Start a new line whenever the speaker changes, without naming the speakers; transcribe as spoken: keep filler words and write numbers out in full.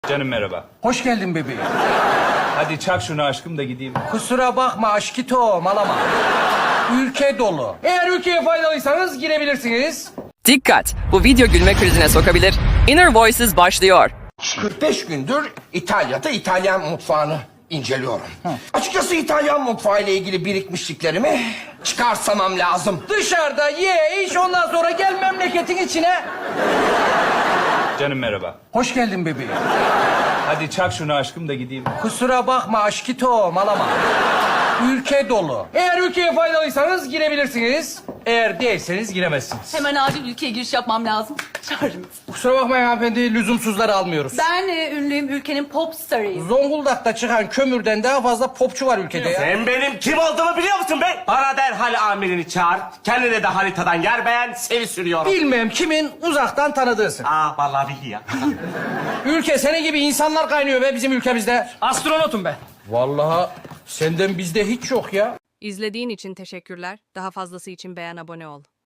Canım merhaba.
Hoş geldin bebeğim.
Hadi çak şunu aşkım da gideyim.
Kusura bakma aşkito malama. Ülke dolu. Eğer ülkeye faydalıysanız girebilirsiniz.
Dikkat! Bu video gülme krizine sokabilir. Inner Voices başlıyor.
kırk beş gündür İtalya'da İtalyan mutfağını inceliyorum. Açıkçası İtalyan mutfağı ile ilgili birikmişliklerimi çıkarsamam lazım.
Dışarıda ye, iç, ondan sonra gel memleketin içine.
Canım merhaba.
Hoş geldin bebeğim.
Hadi çak şunu aşkım da gideyim.
Kusura bakma aşkito malama. Ülke dolu. Eğer ülkeye faydalıysanız girebilirsiniz. Eğer değilseniz giremezsiniz.
Hemen acil ülkeye giriş yapmam lazım. Çağırır mısın?
Kusura bakmayın hanımefendi, lüzumsuzları almıyoruz.
Ben e, ünlüyüm, ülkenin pop starıyım.
Zonguldak'ta çıkan kömürden daha fazla popçu var ülkede ya.
Sen benim kim olduğumu biliyor musun be? Bana derhal amirini çağır. Kendine de haritadan yer beğen, seni sürüyorum.
Bilmem kimin uzaktan tanıdığısın.
Aa vallahi bildi ya.
Ülke senin gibi insanlar kaynıyor be bizim ülkemizde.
Astronotum ben.
Vallahi senden bizde hiç yok ya.
İzlediğin için teşekkürler. Daha fazlası için beğen, abone ol.